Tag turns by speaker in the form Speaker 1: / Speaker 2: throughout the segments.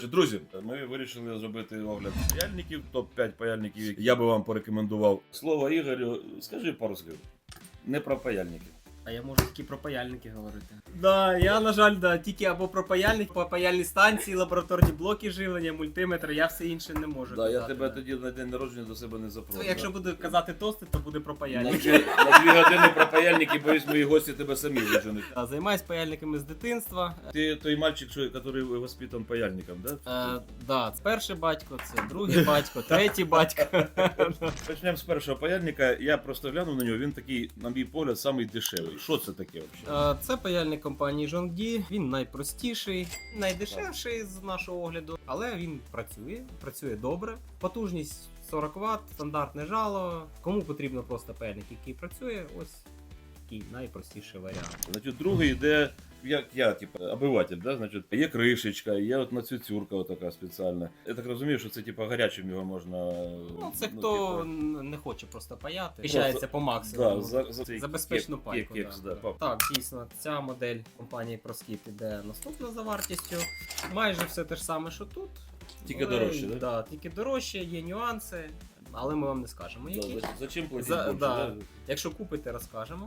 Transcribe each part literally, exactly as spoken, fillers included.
Speaker 1: Друзі, ми вирішили зробити огляд паяльників, топ п'ять паяльників, які я би вам порекомендував. Слово Ігорю, скажи пару слів. Не про паяльники.
Speaker 2: А я можу тільки про паяльники говорити. Да, я, на жаль, да, тільки або про паяльник, по паяльній станції, лабораторні блоки живлення, мультиметр, я все інше не можу
Speaker 1: Да,
Speaker 2: казати.
Speaker 1: я тебе
Speaker 2: да.
Speaker 1: тоді на день народження до себе не запрошу.
Speaker 2: Ну, якщо буду казати тости, то буде про
Speaker 1: На
Speaker 2: паяльники.
Speaker 1: дві, на дві години про паяльники, боюсь, мої гості тебе самі виженуть.
Speaker 2: Да, займаюсь паяльниками з дитинства.
Speaker 1: Ти той мальчик, що, який воспитан паяльником, да?
Speaker 2: Е, да, це перший батько, це другий батько, третій батько.
Speaker 1: Почнемо з першого паяльника. Я просто глянув на нього, він такий, на мій погляд, самий дешевий. Що це таке взагалі?
Speaker 2: Е, Це паяльник компанії Жонгді, він найпростіший, найдешевший з нашого огляду, але він працює, працює добре. Потужність сорок ватт, стандартне жало. Кому потрібно просто паяльник, який працює, ось такий найпростіший варіант.
Speaker 1: Значить, другий йде, як я, типу, обиватель, да? Значить, є кришечка, є от нацюцюрка така спеціальна. Я так розумію, що це типу гарячим його можна.
Speaker 2: Ну, це
Speaker 1: ну,
Speaker 2: хто
Speaker 1: типу,
Speaker 2: не хоче просто паяти, пищається по максимуму.
Speaker 1: Да, за, за, цей
Speaker 2: За безпечну
Speaker 1: кек-
Speaker 2: пайку.
Speaker 1: кекс,
Speaker 2: да.
Speaker 1: да.
Speaker 2: Так, дійсно, ця модель компанії ProSkip іде наступна за вартістю. Майже все те ж саме, що тут.
Speaker 1: Тільки
Speaker 2: Але,
Speaker 1: дорожче, да?
Speaker 2: Да, тільки дорожче, є нюанси, але ми вам не скажемо,
Speaker 1: Да,
Speaker 2: які.
Speaker 1: за, за чим платити
Speaker 2: За-
Speaker 1: більше,
Speaker 2: да.
Speaker 1: да?
Speaker 2: Якщо купите, розкажемо.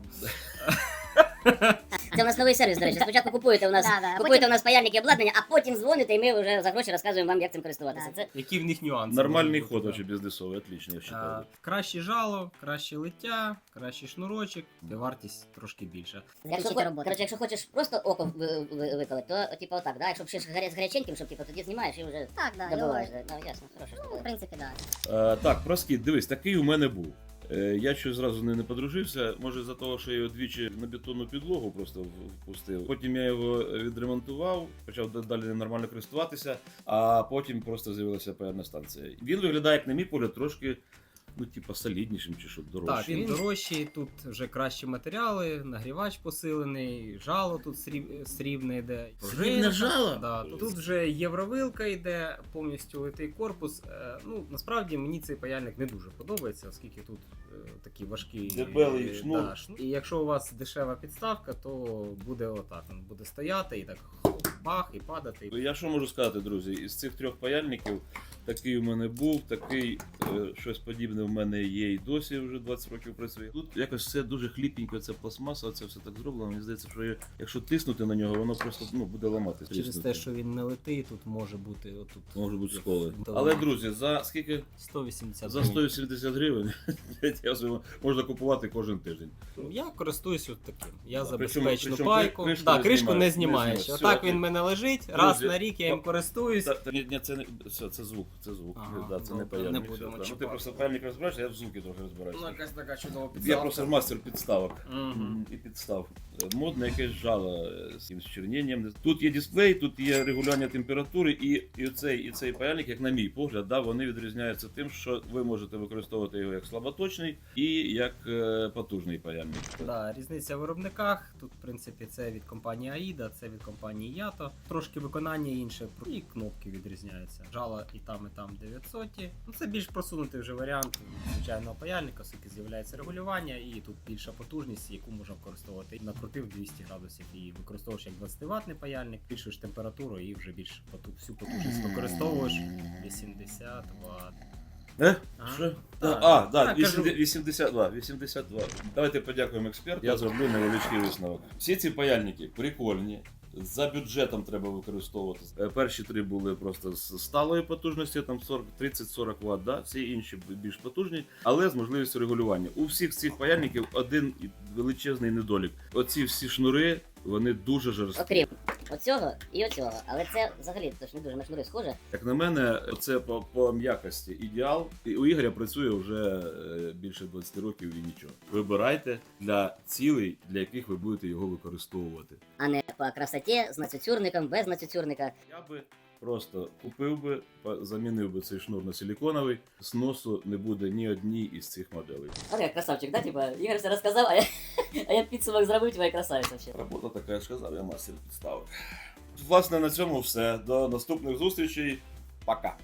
Speaker 3: Це у нас новий сервіс, до речі. Спочатку купуєте у нас,
Speaker 4: Да, да, а
Speaker 3: купуєте
Speaker 4: потім-
Speaker 3: у нас паяльники і обладнання, а потім дзвоните, і ми вже за гроші розказуємо вам, як цим користуватися.
Speaker 4: Да.
Speaker 3: Це
Speaker 2: Які в них нюанси?
Speaker 1: Нормальний
Speaker 2: можуть бути,
Speaker 1: ход,
Speaker 2: да.
Speaker 1: очень бізнесовий, отлично, я
Speaker 2: А,
Speaker 1: вважаю.
Speaker 2: краще жало, краще лиття, кращий шнурочок, і вартість трошки більша.
Speaker 3: якщо,
Speaker 4: Закінчити
Speaker 3: хо-
Speaker 4: роботу.
Speaker 3: коротше, якщо хочеш просто око ви- ви- виколити, то типу отак, да? Якщо ще з гаря- з гаряченьким, щоб типу, тоді знімаєш і вже
Speaker 4: Так, да,
Speaker 3: добиваєш.
Speaker 4: його,
Speaker 3: Ну, ясно, хороша
Speaker 4: ну, в
Speaker 3: штука.
Speaker 4: принципі, да.
Speaker 1: А, так, проскіт, дивись, такий у мене був. Е, Я щось зразу не, не подружився, може за того, що я його двічі на бетонну підлогу просто в- впустив. Потім я його відремонтував, почав д- далі ним нормально користуватися, а потім просто з'явилася паяльна станція. Він виглядає, як на мій погляд, трошки, ну, типа, соліднішим чи що, дорожчим.
Speaker 2: Так, він дорожчий, тут вже кращі матеріали, нагрівач посилений, жало тут сріб... срібне йде.
Speaker 1: Срібне
Speaker 2: пружинка.
Speaker 1: жало?
Speaker 2: Да, тут, тут вже євровилка йде, повністю литий корпус. Е, ну, насправді мені цей паяльник не дуже подобається, оскільки тут е, такі важкі
Speaker 1: Дебелий
Speaker 2: е,
Speaker 1: шнур.
Speaker 2: Да, шнур. І якщо у вас дешева підставка, то буде отак, він буде стояти і так бах, і падати.
Speaker 1: Я що можу сказати, друзі, із цих трьох паяльників такий у мене був, такий е, щось подібне в мене є і досі вже двадцять років працює. Тут якось все дуже хліпенько, це пластмаса, це все так зроблено. Мені здається, що я- якщо тиснути на нього, воно просто ну, буде ламатися.
Speaker 2: Через те, що він не литий, тут може бути отут.
Speaker 1: Може бути сколи.
Speaker 2: Да.
Speaker 1: Але, друзі, за скільки?
Speaker 2: сто вісімдесят
Speaker 1: За сто вісімдесят гривень я вже можна купувати кожен тиждень.
Speaker 2: Я користуюсь от таким. Я
Speaker 1: Да,
Speaker 2: за
Speaker 1: причому-
Speaker 2: безпечну
Speaker 1: причому
Speaker 2: пайку.
Speaker 1: кри- кришку
Speaker 2: да,
Speaker 1: не
Speaker 2: кришку не
Speaker 1: знімаєш,
Speaker 2: знімаєш.
Speaker 1: не знімаєш.
Speaker 2: Отак
Speaker 1: Все,
Speaker 2: він
Speaker 1: окей.
Speaker 2: в мене лежить, раз
Speaker 1: Друзі,
Speaker 2: на рік я їм
Speaker 1: о,
Speaker 2: користуюсь.
Speaker 1: Та, та, ні, ні, це не все, це звук, це звук.
Speaker 2: Ага,
Speaker 1: да, це
Speaker 2: ну,
Speaker 1: не паяльник.
Speaker 2: не будемо
Speaker 1: все, да. Ну, ти
Speaker 2: чіпати.
Speaker 1: просто паяльник розбираєшся, я в звуки трохи розбираюся.
Speaker 2: Ну, якась така чудова
Speaker 1: Я
Speaker 2: підставка.
Speaker 1: просто мастер підставок.
Speaker 2: Мгм.
Speaker 1: І підстав. Модне якесь жало е, з якимось черненням. Тут є дисплей, тут є регулювання температури, і, і, цей, і цей паяльник, як на мій погляд, да, вони відрізняються тим, що ви можете використовувати його як слаботочний і як е, потужний паяльник.
Speaker 2: Да, різниця в виробниках. Тут, в принципі, це від компанії Аїда, це від компанії Ято. Трошки виконання інше, і кнопки відрізняються. Жало і там, і там дев'ятсот. Ну, це більш просунутий вже варіант звичайного паяльника, оскільки з'являється регулювання, і тут більша потужність, яку можна використовувати. Накрутив двісті градусів і використовуєш як двадцять ваттний паяльник, збільшуєш температуру і вже більш поту- всю потужність використовуєш вісімдесят ватт.
Speaker 1: Е?
Speaker 2: А?
Speaker 1: Що?
Speaker 2: Так.
Speaker 1: А, да,
Speaker 2: Так, кажу.
Speaker 1: вісімдесят два, вісімдесят два. Давайте подякуємо експерту. Я зроблю невеличкий висновок. Всі ці паяльники прикольні. За бюджетом треба використовувати. Е, Перші три були просто з сталою потужністю, там тридцять сорок ватт, да? Всі інші більш потужні, але з можливістю регулювання. У всіх цих паяльників один величезний недолік. Оці всі шнури, вони дуже жорсткі.
Speaker 3: Окрім оцього і оцього. Але це взагалі то ж не дуже на шнури схоже.
Speaker 1: Як на мене, це по, по м'якості ідеал. І у Ігоря працює вже е, більше двадцять років і нічого. Вибирайте для цілей, для яких ви будете його використовувати.
Speaker 3: А не по красоті з нацюцюрником, без нацюцюрника.
Speaker 1: Я би просто купив би, по- замінив би цей шнур на силіконовий, зносу не буде ні одній із цих моделей.
Speaker 3: А як красавчик, да? Типа, Ігор все розказав, а я, а я підсумок зробив, твоя красавиця ще.
Speaker 1: Робота така, я ж сказав, я мастер підставок. Власне, на цьому все. До наступних зустрічей. Пока.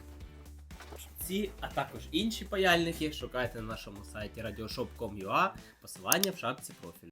Speaker 2: Ці, а також інші паяльники шукайте на нашому сайті радіошоп крапка ком крапка ю а, посилання в шапці профілю.